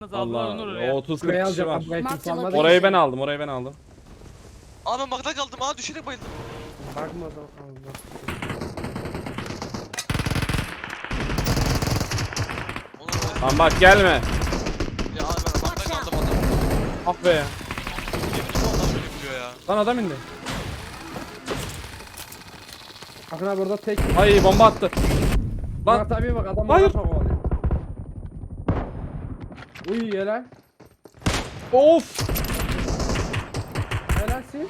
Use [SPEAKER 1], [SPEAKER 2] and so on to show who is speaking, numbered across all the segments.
[SPEAKER 1] Allah, o 30-40
[SPEAKER 2] Burayı
[SPEAKER 1] kişi var.
[SPEAKER 2] alacağım. Burayı kimse almadı.
[SPEAKER 1] Orayı ben aldım, orayı ben aldım.
[SPEAKER 3] Aa ben bakta kaldım. Aa düşerek bayıldım.
[SPEAKER 2] Bakma o zaman. Allah.
[SPEAKER 3] Olur.
[SPEAKER 1] Lan bak gelme.
[SPEAKER 3] Ya ben bakta kaldım adam.
[SPEAKER 1] Ah be.
[SPEAKER 3] Yemin vallahi böyle yapıyor ya.
[SPEAKER 1] Lan adam indi.
[SPEAKER 2] Akın abi burada tek.
[SPEAKER 1] Ay bomba attı. Lan
[SPEAKER 2] Murat abiye bak adam
[SPEAKER 1] Hayır.
[SPEAKER 2] orada kovalıyor. Uy helal.
[SPEAKER 1] of.
[SPEAKER 2] Helalsin.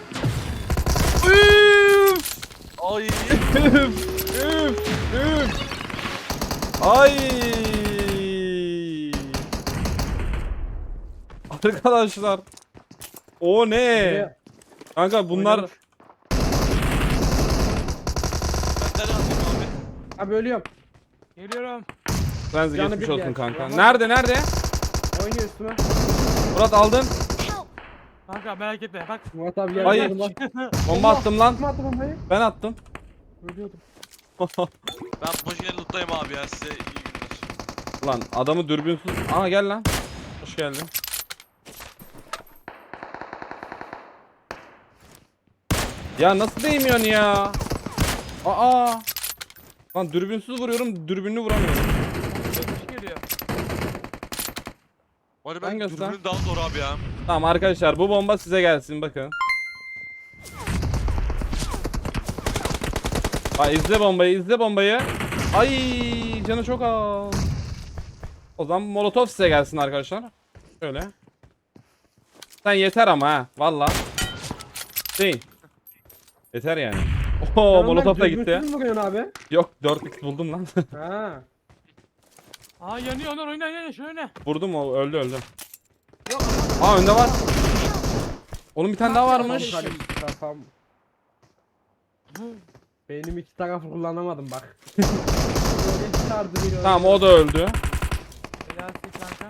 [SPEAKER 1] Üf.
[SPEAKER 3] Ay.
[SPEAKER 1] Üf. Üf. Üf. Ay. Arkadaşlar. O ne?
[SPEAKER 2] Buraya.
[SPEAKER 1] Kanka bunlar
[SPEAKER 2] Oynamış.
[SPEAKER 3] Ben nereye atayım abi?
[SPEAKER 2] Abi ölüyorum.
[SPEAKER 4] Geliyorum.
[SPEAKER 1] Frenzy
[SPEAKER 2] Canı
[SPEAKER 1] geçmiş
[SPEAKER 2] bir
[SPEAKER 1] olsun
[SPEAKER 2] yer.
[SPEAKER 1] kanka.
[SPEAKER 2] Aha.
[SPEAKER 1] Nerede?
[SPEAKER 2] Oynuyor üstüme.
[SPEAKER 1] Murat aldın.
[SPEAKER 4] Kanka merak etme bak.
[SPEAKER 2] Murat abi
[SPEAKER 1] Ay.
[SPEAKER 2] yardım lan.
[SPEAKER 1] Bomba attım lan.
[SPEAKER 2] Kim attı bombayı?
[SPEAKER 1] Ben attım.
[SPEAKER 2] Ölüyordum.
[SPEAKER 3] Ben Pojigen'i lootlayayım abi ya size iyi günler.
[SPEAKER 1] Lan adamı dürbünsüz. Aa gel lan. Hoş geldin. Ya nasıl değmiyorsun ya? Aa. Lan dürbünsüz vuruyorum, dürbünlü vuramıyorum.
[SPEAKER 4] Dönüş geliyor.
[SPEAKER 3] Var
[SPEAKER 1] Ben
[SPEAKER 3] ben
[SPEAKER 1] göster.
[SPEAKER 3] dürbünün daha zor abi ya.
[SPEAKER 1] Tamam arkadaşlar bu bomba size gelsin bakın. Aa izle bombayı, izle bombayı. Ay canı çok az. O zaman molotof size gelsin arkadaşlar. Şöyle. Sen yeter ama ha valla. Değil. Yeter yani. Oo molotof da gitti.
[SPEAKER 2] Dürbünsüz mü vuruyorsun abi?
[SPEAKER 1] Yok 4x buldum lan.
[SPEAKER 2] Ha.
[SPEAKER 4] Aa yanıyor Onur oyna şöyle.
[SPEAKER 1] Vurdum o öldü.
[SPEAKER 4] Yok.
[SPEAKER 1] Aa önde var. Oğlum bir tane daha varmış.
[SPEAKER 2] Kafam. Benim iki tarafı kullanamadım bak. Böyle sardı biri
[SPEAKER 1] Tamam
[SPEAKER 2] öldü.
[SPEAKER 1] o da öldü.
[SPEAKER 4] Helalsin kanka.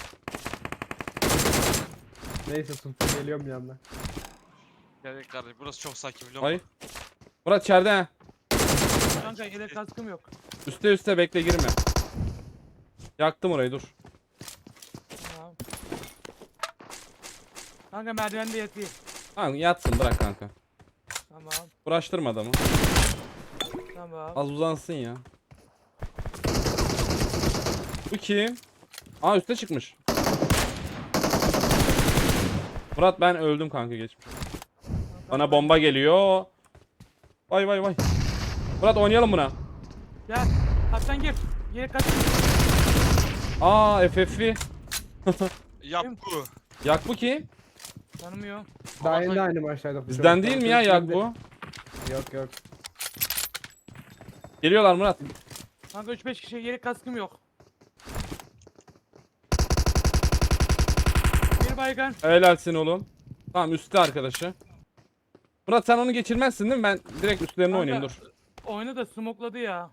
[SPEAKER 2] Neyse sultan geliyorum yanına.
[SPEAKER 3] Gerek kardeşim burası çok sakin biliyor musun?
[SPEAKER 1] Ay. Murat içeride ha.
[SPEAKER 4] Kanka yedek kaskım yok.
[SPEAKER 1] Üste bekle girme. Yaktım orayı dur.
[SPEAKER 4] Tamam. Kanka merdivende yatıyor.
[SPEAKER 1] Tamam yatsın bırak kanka.
[SPEAKER 4] Tamam.
[SPEAKER 1] Uğraştırma adamı.
[SPEAKER 4] Tamam.
[SPEAKER 1] Az uzansın ya. Bu kim? Aa üste çıkmış. Murat ben öldüm kanka geçmiş. Bana bomba geliyor. Vay. Murat oynayalım buna.
[SPEAKER 4] Gel. Kaptan gir. Yedek kask.
[SPEAKER 1] Aa FF'i.
[SPEAKER 3] Yap bu.
[SPEAKER 1] Yak bu kim?
[SPEAKER 4] Tanımıyor.
[SPEAKER 2] Daha yeni de aynı maçtaydık. bu
[SPEAKER 1] Bizden
[SPEAKER 2] çocuklar.
[SPEAKER 1] değil mi ya yak bu?
[SPEAKER 2] Yok.
[SPEAKER 1] Geliyorlar Murat.
[SPEAKER 4] Kanka 3-5 kişi yedek kaskım yok. Bir baygın.
[SPEAKER 1] Helalsin oğlum. Tamam üstte arkadaşı. Murat sen onu geçirmezsin değil mi? Ben direkt üstlerine
[SPEAKER 4] Kanka,
[SPEAKER 1] oynayayım dur.
[SPEAKER 4] Oyunu da smokladı ya.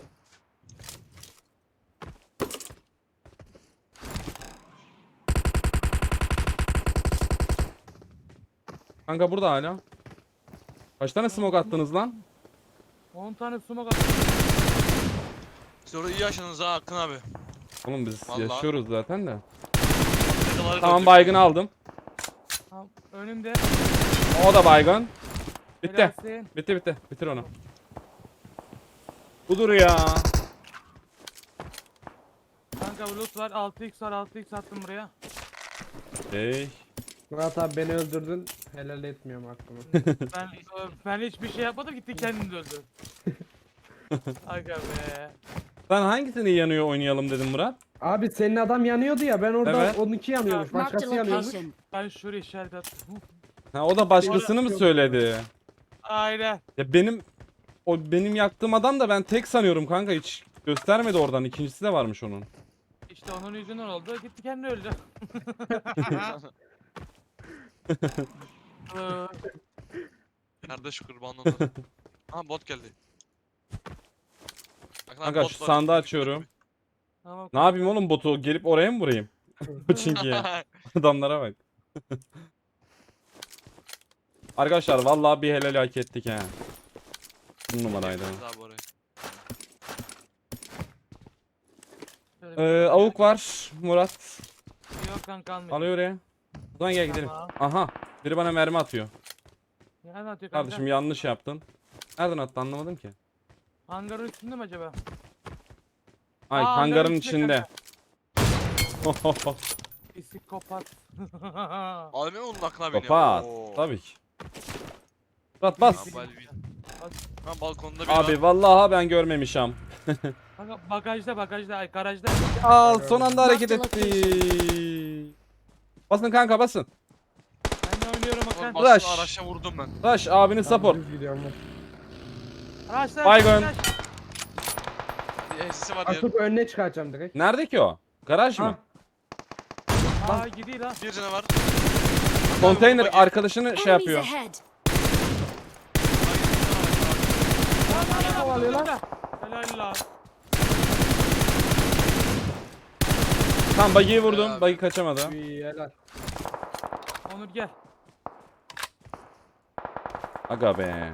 [SPEAKER 1] Kanka burada hala. Kaç tane smoke attınız lan?
[SPEAKER 4] 10 tane smoke attı.
[SPEAKER 3] Siz orada iyi yaşadınız ha Akın abi.
[SPEAKER 1] Oğlum biz
[SPEAKER 3] Vallahi.
[SPEAKER 1] yaşıyoruz zaten de.
[SPEAKER 3] Şakaları
[SPEAKER 1] Tamam
[SPEAKER 3] döndük.
[SPEAKER 1] baygın aldım.
[SPEAKER 4] Tamam. Önümde.
[SPEAKER 1] O da baygın. Bitti.
[SPEAKER 4] Helalsin.
[SPEAKER 1] Bitti. Bitir onu. Budur ya.
[SPEAKER 4] Kanka loot var. 6x var. 6x attım buraya.
[SPEAKER 1] Hey.
[SPEAKER 2] Murat abi beni öldürdün. Helal etmiyorum aklıma.
[SPEAKER 4] Ben hiçbir şey yapmadım. Gitti kendini öldü. Aga be.
[SPEAKER 1] Sen hangisini yanıyor oynayalım dedim Murat?
[SPEAKER 2] Abi senin adam yanıyordu ya ben orada
[SPEAKER 1] Evet.
[SPEAKER 2] 12 yanıyormuş.
[SPEAKER 5] Marked a
[SPEAKER 2] Başkası yanıyormuş.
[SPEAKER 5] location.
[SPEAKER 4] Ben şuraya işaret attım.
[SPEAKER 1] Ha o da başkasını mı söyledi?
[SPEAKER 4] Aynen.
[SPEAKER 1] Ya benim yaktığım adam da ben tek sanıyorum kanka hiç göstermedi oradan. İkincisi de varmış onun.
[SPEAKER 4] İşte onun yüzünden oldu. Gitti kendi öldü.
[SPEAKER 3] Kardeş kurban olur. Aha bot geldi. Akın abi,
[SPEAKER 1] Kanka
[SPEAKER 3] bot
[SPEAKER 1] şu
[SPEAKER 3] var.
[SPEAKER 1] sandığı açıyorum.
[SPEAKER 4] Tamam.
[SPEAKER 1] Ne yapayım oğlum botu gelip oraya mı vurayım? Çünkü ya. Adamlara bak. Arkadaşlar vallahi bir helal hak ettik ha. Bu numaraydı.
[SPEAKER 3] Abi oraya.
[SPEAKER 1] Avuk var Murat.
[SPEAKER 4] Yok kanka almayayım.
[SPEAKER 1] Alıyor oraya. O zaman gel gidelim.
[SPEAKER 4] Tamam.
[SPEAKER 1] Aha. Biri bana mermi atıyor.
[SPEAKER 4] Nereden atıyor kanka?
[SPEAKER 1] Kardeşim yanlış yaptın. Nereden attı anlamadım ki.
[SPEAKER 4] Hangarın üstünde mi acaba?
[SPEAKER 1] Ay
[SPEAKER 4] Aa,
[SPEAKER 1] hangarın
[SPEAKER 4] içinde
[SPEAKER 1] içinde.
[SPEAKER 4] Psikopat.
[SPEAKER 3] Abi onun aklına biniyor.
[SPEAKER 1] Kapat.
[SPEAKER 3] Oo.
[SPEAKER 1] Tabii ki. Murat bas.
[SPEAKER 3] Ha, Ha balkonda bir
[SPEAKER 1] Abi
[SPEAKER 3] var.
[SPEAKER 1] vallahi ben görmemişim.
[SPEAKER 4] Kanka bagajda ay garajda.
[SPEAKER 1] Aa son anda hareket etti. Basın kanka basın.
[SPEAKER 4] Ben de oynuyorum
[SPEAKER 3] Oğlum,
[SPEAKER 4] bakın.
[SPEAKER 1] Rush.
[SPEAKER 3] Araçla vurdum ben.
[SPEAKER 1] Rush abinin support.
[SPEAKER 2] Düz gidiyorum ben.
[SPEAKER 4] Araçlar.
[SPEAKER 1] Baygın.
[SPEAKER 3] Bir SS'i var diye.
[SPEAKER 2] Atıp önüne çıkartacağım direkt.
[SPEAKER 1] Nerede ki o? Garaj mı?
[SPEAKER 2] Ha.
[SPEAKER 4] Aa gidiyor lan.
[SPEAKER 3] Bir canı var.
[SPEAKER 1] Konteyner
[SPEAKER 3] Bagi.
[SPEAKER 1] arkadaşını şey
[SPEAKER 5] Enemies
[SPEAKER 1] yapıyor.
[SPEAKER 5] ahead.
[SPEAKER 2] Kovalıyor lan.
[SPEAKER 4] Helal lan.
[SPEAKER 1] Tam bagiyi vurdum.
[SPEAKER 3] Abi.
[SPEAKER 1] Bagi kaçamadı.
[SPEAKER 2] İyi helal.
[SPEAKER 4] Onur gel.
[SPEAKER 1] Aga be.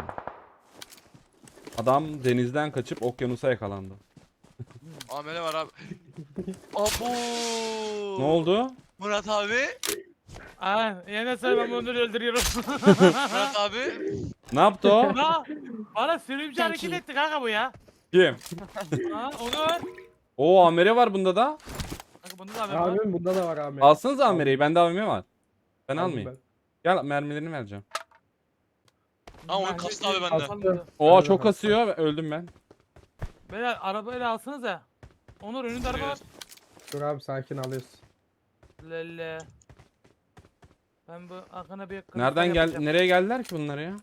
[SPEAKER 1] Adam denizden kaçıp okyanusa yakalandı.
[SPEAKER 3] Amele var abi. Abo.
[SPEAKER 1] Ne oldu?
[SPEAKER 3] Murat abi.
[SPEAKER 4] Aa yine sen ben Onur'u öldürüyorum.
[SPEAKER 3] Murat abi.
[SPEAKER 1] Ne yaptı o?
[SPEAKER 4] Ha, bana sürümcü
[SPEAKER 5] Thank
[SPEAKER 4] hareket
[SPEAKER 5] you.
[SPEAKER 4] etti kanka bu ya.
[SPEAKER 1] Kim?
[SPEAKER 4] Ha Onur.
[SPEAKER 1] Oo amere var bunda da.
[SPEAKER 4] Kanka bunda da haber var.
[SPEAKER 2] Abim bunda da var abi.
[SPEAKER 1] Alsanız amereyi. Bende AVM var. Ben
[SPEAKER 2] Aldım
[SPEAKER 1] almayayım. Gel mermilerini vereceğim.
[SPEAKER 3] Ha, oyun
[SPEAKER 4] Bence
[SPEAKER 3] kastı abi bende.
[SPEAKER 4] alsanıza.
[SPEAKER 1] Oo
[SPEAKER 2] Hadi
[SPEAKER 1] çok
[SPEAKER 2] bakalım.
[SPEAKER 1] kasıyor. Öldüm ben.
[SPEAKER 4] Beyler arabayla alsanız ya. Onur önünde araba var.
[SPEAKER 2] Dur abi sakin alıyoruz.
[SPEAKER 4] Lelle. Ben bu arkana bir
[SPEAKER 1] Nereden gel nereye geldiler ki bunlar ya?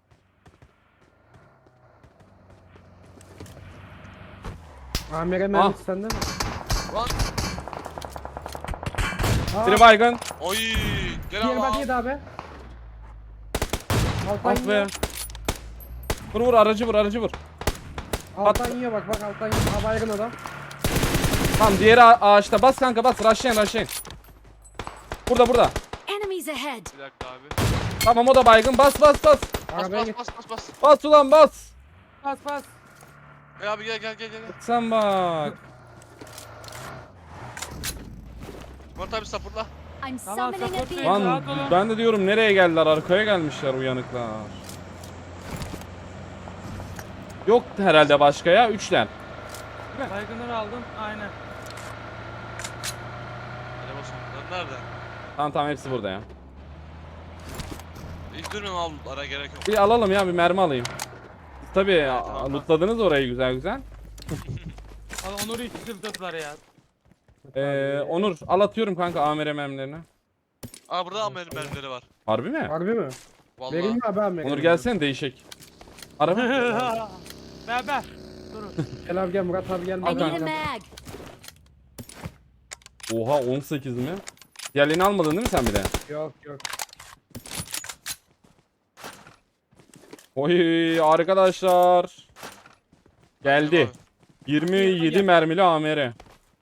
[SPEAKER 2] Amire mermisi sende mi?
[SPEAKER 3] Lan.
[SPEAKER 2] Aa,
[SPEAKER 1] Biri baygın.
[SPEAKER 3] Oy. Gel
[SPEAKER 2] diğer bak
[SPEAKER 3] abi.
[SPEAKER 2] yedi abi. Alttan
[SPEAKER 1] Ah be.
[SPEAKER 2] yiyor.
[SPEAKER 1] Vur vur aracı vur aracı vur.
[SPEAKER 2] Alttan yiyor bak alttan yiyor. Aa baygın adam.
[SPEAKER 1] Tamam diğeri ağaçta. Bas kanka bas. Rushlayın rushlayın. Burada.
[SPEAKER 5] Enemies ahead.
[SPEAKER 3] Bir dakika abi.
[SPEAKER 1] Tamam o da baygın. Bas.
[SPEAKER 3] Bas
[SPEAKER 2] Arabaya
[SPEAKER 3] bas
[SPEAKER 2] git.
[SPEAKER 3] bas bas bas.
[SPEAKER 1] Bas ulan bas.
[SPEAKER 4] Bas bas.
[SPEAKER 3] Gel abi gel.
[SPEAKER 1] Sen bak.
[SPEAKER 3] Murat abi sapırla.
[SPEAKER 5] I'm
[SPEAKER 4] Tamam,
[SPEAKER 5] summoning a
[SPEAKER 4] support
[SPEAKER 5] vehicle.
[SPEAKER 4] değil.
[SPEAKER 1] Lan
[SPEAKER 4] Rahat olun.
[SPEAKER 1] ben de diyorum nereye geldiler? Arkaya gelmişler uyanıklar. Yok herhalde başka ya. Üçler.
[SPEAKER 4] Baygınları aldım. Aynen.
[SPEAKER 3] Hadi basalım. Lan nerede?
[SPEAKER 1] Tamam hepsi burada ya.
[SPEAKER 3] İlk durun al ara gerek yok.
[SPEAKER 1] Bir alalım ya bir mermi alayım. Tabii
[SPEAKER 3] tamam.
[SPEAKER 1] lootladınız orayı güzel.
[SPEAKER 4] Al Onur'u hiç sırtladılar ya.
[SPEAKER 1] Onur al atıyorum kanka amire mermilerini.
[SPEAKER 3] Aa burada amel mermileri var.
[SPEAKER 1] Harbi mi?
[SPEAKER 2] Harbi mi?
[SPEAKER 3] Vallahi.
[SPEAKER 2] Vereyim mi abi amire?
[SPEAKER 1] Onur gelsene değişik. Araba.
[SPEAKER 4] Beraber. Durun.
[SPEAKER 2] Gel abi gel Murat abi gel.
[SPEAKER 5] I
[SPEAKER 2] Murat
[SPEAKER 5] need
[SPEAKER 2] abi
[SPEAKER 5] a
[SPEAKER 2] gel.
[SPEAKER 5] mag.
[SPEAKER 1] Oha 18 mi? Diğerlerini almadın değil mi sen bir de?
[SPEAKER 2] Yok.
[SPEAKER 1] Oy arkadaşlar. Geldi. 27 mermili amire.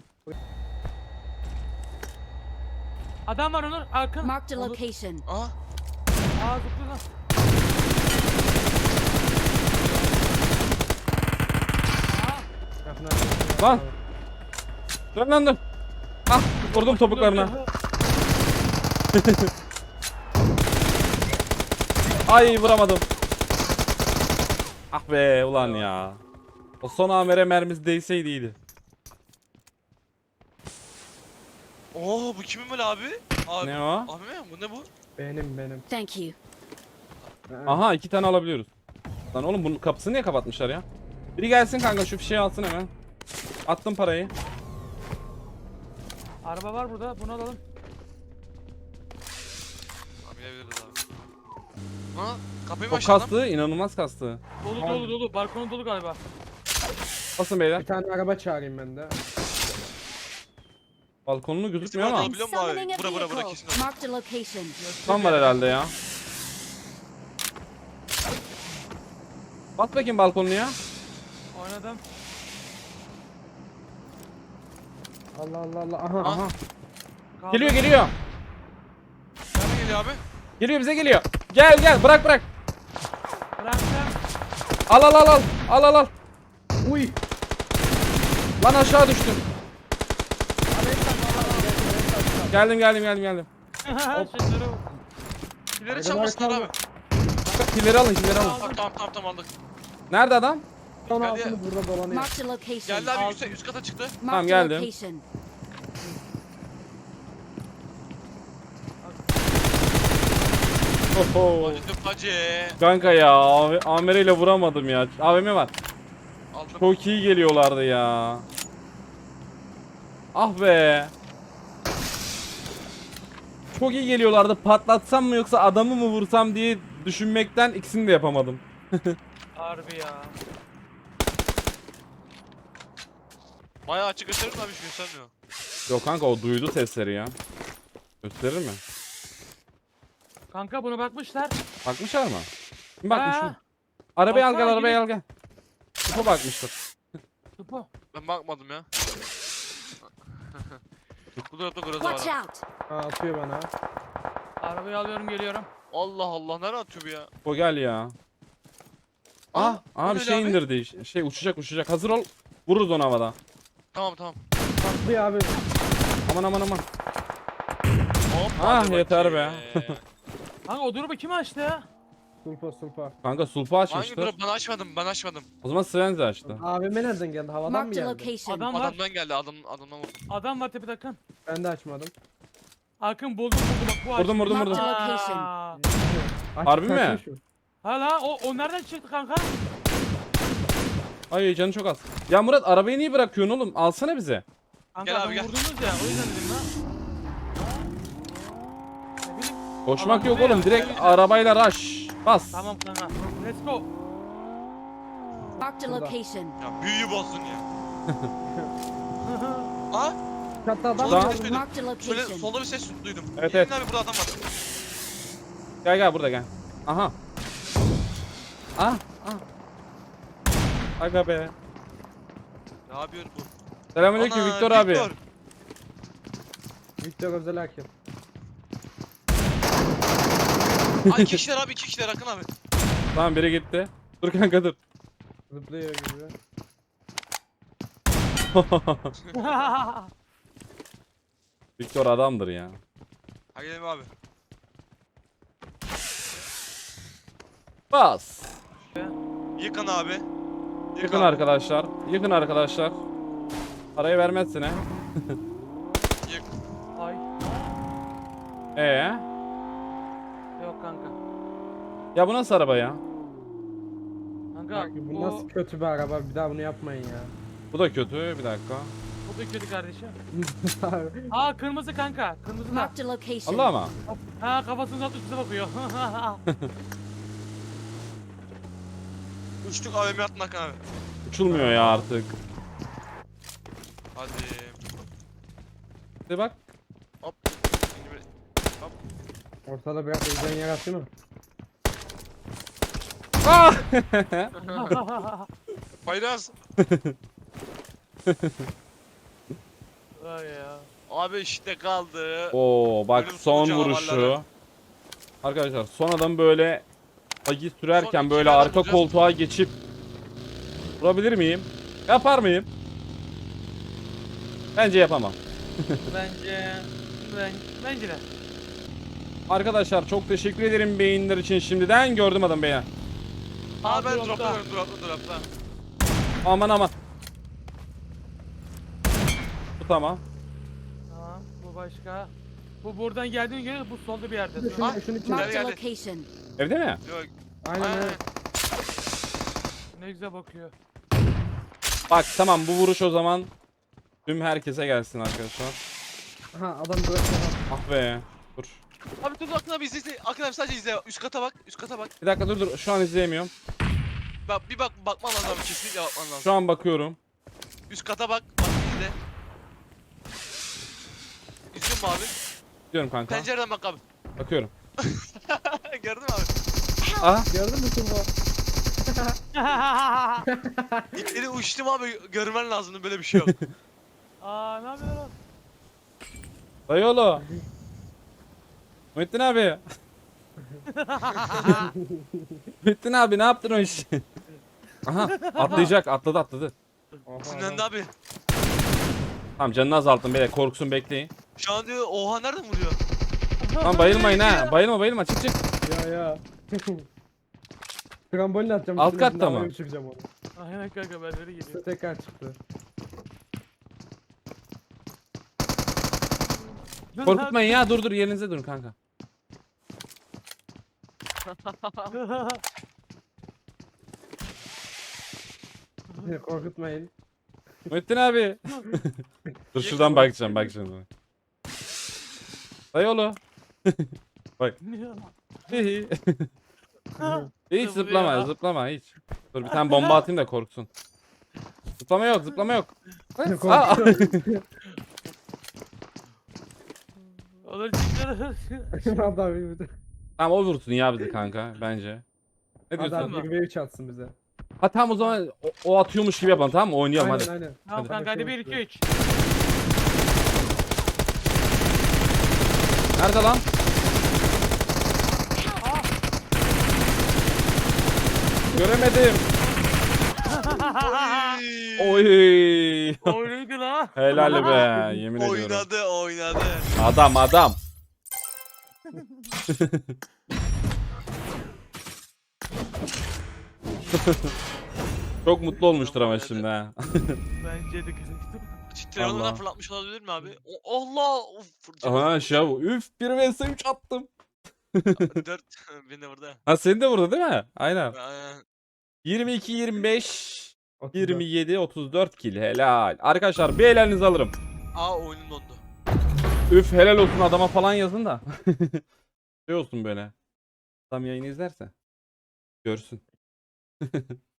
[SPEAKER 4] Adam var Onur. Arkın.
[SPEAKER 5] Marked a
[SPEAKER 4] Onur.
[SPEAKER 5] location.
[SPEAKER 3] Aa.
[SPEAKER 4] Aa zıplıyor lan.
[SPEAKER 2] Yakına-
[SPEAKER 1] Lan. Dön lan dön. Ah vurdum topuklarına. Ay vuramadım. Ah be ulan ya. O son amire mermisi değseydi iyiydi.
[SPEAKER 3] Oo bu kimin böyle abi? Abi.
[SPEAKER 1] Ne o?
[SPEAKER 3] Abi mi? Bu ne bu?
[SPEAKER 2] Benim.
[SPEAKER 5] Thank you.
[SPEAKER 1] Aha 2 tane alabiliyoruz. Lan oğlum bunun kapısını niye kapatmışlar ya? Biri gelsin kanka şu fişeği alsın hemen. Attım parayı.
[SPEAKER 4] Araba var burada. Bunu alalım.
[SPEAKER 3] Abi bilebiliriz abi. Ha kapıyı mı
[SPEAKER 1] Çok
[SPEAKER 3] açtı adam?
[SPEAKER 1] kastı, inanılmaz kastı.
[SPEAKER 4] Dolu. Balkonu dolu galiba.
[SPEAKER 1] Basın beyler.
[SPEAKER 2] Bir tane araba çağırayım ben de.
[SPEAKER 1] Balkonunu gözükmüyor ama.
[SPEAKER 5] I'm
[SPEAKER 3] Biliyor musun abi?
[SPEAKER 5] summoning a
[SPEAKER 3] Bura kesin
[SPEAKER 5] vehicle.
[SPEAKER 3] o.
[SPEAKER 5] Marked a location.
[SPEAKER 1] Tam var herhalde ya. Bas bakayım balkonunu ya.
[SPEAKER 4] Oynadım.
[SPEAKER 2] Allah. Aha.
[SPEAKER 1] Aha.
[SPEAKER 4] Kaldım.
[SPEAKER 1] Geliyor.
[SPEAKER 3] Nereden geliyor abi?
[SPEAKER 1] Geliyor bize geliyor. Gel bırak.
[SPEAKER 4] Bıraktım.
[SPEAKER 1] Al.
[SPEAKER 2] Uy.
[SPEAKER 1] Lan aşağı düştüm. Geldim.
[SPEAKER 4] Şunları
[SPEAKER 3] İleri çalmasınlar abi.
[SPEAKER 1] Killeri alın.
[SPEAKER 3] Tamam aldık.
[SPEAKER 1] Nerede adam?
[SPEAKER 2] Son
[SPEAKER 3] Geldi.
[SPEAKER 2] altını burada dolanıyor.
[SPEAKER 5] Marked a location.
[SPEAKER 3] Geldi abi üst kata çıktı.
[SPEAKER 5] Marked a
[SPEAKER 1] geldim.
[SPEAKER 5] location.
[SPEAKER 1] Oho.
[SPEAKER 3] Acıdım hacı.
[SPEAKER 1] Kanka ya Amer ile vuramadım ya. AVM var.
[SPEAKER 3] Aldım.
[SPEAKER 1] Çok iyi geliyorlardı ya. Ah be. Çok iyi geliyorlardı. Patlatsam mı yoksa adamı mı vursam diye düşünmekten ikisini de yapamadım.
[SPEAKER 4] Harbi ya.
[SPEAKER 3] Bayağı açık gösterir mi abi, hiç göstermiyor.
[SPEAKER 1] Yok kanka o duydu sesleri ya. Gösterir mi?
[SPEAKER 4] Kanka buna bakmışlar.
[SPEAKER 1] Bakmışlar mı? Kim bakmış
[SPEAKER 4] Ha.
[SPEAKER 1] mı? Arabayı al gel,
[SPEAKER 4] Baksana,
[SPEAKER 1] arabayı al gel. Kupa bakmıştır.
[SPEAKER 4] Tupo.
[SPEAKER 3] Ben bakmadım ya. Bu tarafta groza
[SPEAKER 5] Watch
[SPEAKER 3] var.
[SPEAKER 5] out.
[SPEAKER 2] Ha, atıyor bana.
[SPEAKER 4] Arabayı alıyorum geliyorum.
[SPEAKER 3] Allah Allah, nereye atıyor bu ya?
[SPEAKER 1] O gel ya. Ah,
[SPEAKER 3] o
[SPEAKER 1] abi
[SPEAKER 3] ne
[SPEAKER 1] şey
[SPEAKER 3] abi?
[SPEAKER 1] indirdi. Şey uçacak. Hazır ol. Vururuz onu havada.
[SPEAKER 3] Tamam.
[SPEAKER 2] Atlıyor abi.
[SPEAKER 1] Aman.
[SPEAKER 3] Hop,
[SPEAKER 1] Ah,
[SPEAKER 3] hadi
[SPEAKER 1] yeter
[SPEAKER 3] bakayım.
[SPEAKER 4] Kanka o durumu kim açtı ya?
[SPEAKER 2] Sulpa.
[SPEAKER 1] Kanka sulpa
[SPEAKER 3] Hangi
[SPEAKER 1] açmıştır.
[SPEAKER 3] drop? Ben açmadım.
[SPEAKER 1] O zaman Svenzi açtı.
[SPEAKER 2] AVM nereden geldi? Havadan mı
[SPEAKER 5] Marked a
[SPEAKER 2] geldi?
[SPEAKER 5] location.
[SPEAKER 4] Adam var.
[SPEAKER 3] Adamdan geldi, adamdan vurdum.
[SPEAKER 4] Adam var tepede Akın.
[SPEAKER 2] Ben de açmadım.
[SPEAKER 4] Akın buldum bak bu açtı.
[SPEAKER 1] Vurdum.
[SPEAKER 5] Marked a
[SPEAKER 4] Aa.
[SPEAKER 5] location.
[SPEAKER 2] Açık
[SPEAKER 1] Harbi mi?
[SPEAKER 2] kaçmış mı?
[SPEAKER 4] Ha la o nereden çıktı kanka?
[SPEAKER 1] Ay canı çok az. Ya Murat arabayı niye bırakıyorsun oğlum? Alsana bize.
[SPEAKER 4] Kanka
[SPEAKER 3] Gel abi,
[SPEAKER 4] adamı
[SPEAKER 3] gel.
[SPEAKER 4] vurdunuz ya o yüzden dedim lan. Ne bileyim.
[SPEAKER 1] Koşmak
[SPEAKER 4] Alan
[SPEAKER 1] yok
[SPEAKER 4] buraya,
[SPEAKER 1] oğlum. Direkt
[SPEAKER 4] buraya.
[SPEAKER 1] arabayla rush. Bas.
[SPEAKER 4] Tamam kanka. Let's go.
[SPEAKER 5] Marked a
[SPEAKER 2] Burada.
[SPEAKER 5] location.
[SPEAKER 3] Ya büyüyü bozdun ya. Aa,
[SPEAKER 2] Çatı adam
[SPEAKER 3] solda
[SPEAKER 1] Daha-
[SPEAKER 3] bir ses duydum.
[SPEAKER 5] Marked a
[SPEAKER 3] Şöyle
[SPEAKER 5] location.
[SPEAKER 3] solda bir ses duydum.
[SPEAKER 1] Evet,
[SPEAKER 3] Gelin
[SPEAKER 1] evet.
[SPEAKER 3] abi, burada adam var.
[SPEAKER 1] Gel burada gel. Aha. Ah. Aga be.
[SPEAKER 3] Ne yapıyor bu?
[SPEAKER 1] Selamünaleyküm
[SPEAKER 3] Ana,
[SPEAKER 1] Viktor abi.
[SPEAKER 2] Victor Özel Hakim.
[SPEAKER 3] Ay, 2 kişiler abi, 2 kişiler Akın abi.
[SPEAKER 1] Tamam biri gitti. Dur kanka dur.
[SPEAKER 2] Zıplıyor gibi.
[SPEAKER 1] Viktor adamdır ya.
[SPEAKER 3] Hadi gidelim abi.
[SPEAKER 1] Bas.
[SPEAKER 3] Yıkın abi.
[SPEAKER 1] Yıkın
[SPEAKER 3] abi.
[SPEAKER 1] arkadaşlar. Yıkın arkadaşlar. Parayı vermezsin he.
[SPEAKER 3] Yık.
[SPEAKER 4] Ay yok kanka.
[SPEAKER 1] Ya bu nasıl araba ya?
[SPEAKER 4] Kanka
[SPEAKER 2] Bak, bu nasıl kötü bir araba, bir daha bunu yapmayın ya.
[SPEAKER 1] Bu da kötü. Bir dakika.
[SPEAKER 4] bu da kötü kardeşim. Aa kırmızı kanka. Kırmızı da.
[SPEAKER 5] Marked a location.
[SPEAKER 1] Allah ama.
[SPEAKER 4] Ha kafasını uzatmış bize bakıyor.
[SPEAKER 3] Uçtuk AVM attın Akın abi.
[SPEAKER 1] Uçulmuyor ya artık.
[SPEAKER 3] Hadi.
[SPEAKER 1] De bak.
[SPEAKER 3] Hop.
[SPEAKER 2] Ortada biraz özden yaratıyor mu?
[SPEAKER 1] Ah!
[SPEAKER 3] Faydaz.
[SPEAKER 4] Vay ya.
[SPEAKER 3] Abi işte kaldı.
[SPEAKER 1] Oo bak
[SPEAKER 3] Ölüm
[SPEAKER 1] son
[SPEAKER 3] sonu
[SPEAKER 1] vuruşu.
[SPEAKER 3] canavarları.
[SPEAKER 1] Arkadaşlar son adam böyle bagi sürerken
[SPEAKER 3] Son
[SPEAKER 1] böyle
[SPEAKER 3] iki
[SPEAKER 1] arka
[SPEAKER 3] adam
[SPEAKER 1] koltuğa geçip vurabilir miyim? Yapar mıyım? Bence yapamam.
[SPEAKER 4] Bence de.
[SPEAKER 1] Arkadaşlar çok teşekkür ederim beyinler için şimdiden gördüm adam beğen.
[SPEAKER 3] Aa, ben
[SPEAKER 4] Dropta.
[SPEAKER 3] dropta.
[SPEAKER 1] Aman. Bu tamam.
[SPEAKER 4] Tamam bu başka. Bu buradan geldiğine göre bu solda bir yerde.
[SPEAKER 2] Şunu için.
[SPEAKER 5] Marked a
[SPEAKER 3] Geldi.
[SPEAKER 5] location.
[SPEAKER 1] Evde mi?
[SPEAKER 3] Yok.
[SPEAKER 2] Aynen öyle.
[SPEAKER 4] Ne güzel bakıyor.
[SPEAKER 1] Bak tamam bu vuruş o zaman tüm herkese gelsin arkadaşlar.
[SPEAKER 2] Ha adam bırakıyor.
[SPEAKER 1] Ah be. Dur.
[SPEAKER 3] Abi dur, Akın abi izle. Akın abi sadece izle. Üst kata bak.
[SPEAKER 1] Bir dakika dur. Şu an izleyemiyorum.
[SPEAKER 3] Bak bir bakman lazım abi, kesinlikle bakman lazım.
[SPEAKER 1] Şu an bakıyorum.
[SPEAKER 3] Üst kata bak. Bak izle. İzliyor mu abi?
[SPEAKER 1] Diyorum kanka.
[SPEAKER 3] Pencereden bak abi.
[SPEAKER 1] Bakıyorum.
[SPEAKER 3] Gördün mü abi?
[SPEAKER 1] Ah.
[SPEAKER 2] Gördün mü Sulpa?
[SPEAKER 3] İpleri uçtum abi, görmen lazımdı, böyle bir şey yok.
[SPEAKER 4] Aa ne yapıyorsun oğlum?
[SPEAKER 1] Dayıoğlu. Muhittin abi. Muhittin abi ne yaptın o işi? Aha atladı.
[SPEAKER 2] Oha,
[SPEAKER 3] Sinirlendi abi.
[SPEAKER 1] Tamam canını azalttım beyler korksun bekleyin.
[SPEAKER 3] Şu an diyor oha nereden vuruyor?
[SPEAKER 1] Lan bayılmayın ha. Bayılma çık.
[SPEAKER 2] Ya. Trambolin atacağım.
[SPEAKER 1] Alt
[SPEAKER 2] üstüne,
[SPEAKER 1] katta mı?
[SPEAKER 2] havaya uçuracağım onu.
[SPEAKER 4] Aynen kanka benleri geliyor.
[SPEAKER 2] İşte tekrar çıktı.
[SPEAKER 4] Dur
[SPEAKER 1] Korkutmayın ya dur yerinize durun kanka.
[SPEAKER 4] lan.
[SPEAKER 2] Korkutmayın.
[SPEAKER 1] Muhittin abi. Dur şuradan bakacağım bak şimdi. Dayı oğlu. Hihi. Hiç
[SPEAKER 4] Zıplıyor.
[SPEAKER 1] zıplama hiç. Dur bir tane bomba atayım da korksun. Zıplama yok.
[SPEAKER 2] Korkuyorum.
[SPEAKER 4] Olur çıkıyor.
[SPEAKER 2] Adam bir
[SPEAKER 1] Tamam o vursun ya bizi kanka bence. Ne diyorsun?
[SPEAKER 2] Adam 1v3 atsın bize.
[SPEAKER 1] Ha tamam o zaman o atıyormuş gibi yapalım tamam mı? Oynayalım hadi.
[SPEAKER 2] Aynen.
[SPEAKER 4] Tamam kanka hadi 1 2 3.
[SPEAKER 1] Nerede lan? Göremedim. Oy.
[SPEAKER 4] Oynuydu la.
[SPEAKER 1] Helal be yemin ediyorum.
[SPEAKER 3] Oynadı.
[SPEAKER 1] Adam. Çok mutlu olmuştur ama şimdi ha.
[SPEAKER 4] Bence de
[SPEAKER 3] Titriyonundan
[SPEAKER 1] Allah.
[SPEAKER 3] fırlatmış olabilir mi abi? Allah! Of,
[SPEAKER 1] Aha şey üf 1 vs 3 attım.
[SPEAKER 3] 4 beni de burada.
[SPEAKER 1] Ha senin de burada değil mi? Aynen.
[SPEAKER 3] Aynen.
[SPEAKER 1] 22 25 27 34 kill helal. Arkadaşlar bir ellerinizi alırım.
[SPEAKER 3] Aa oyunum dondu.
[SPEAKER 1] Üf helal olsun adama falan yazın da. Şey olsun böyle. Adam yayını izlerse. Görsün.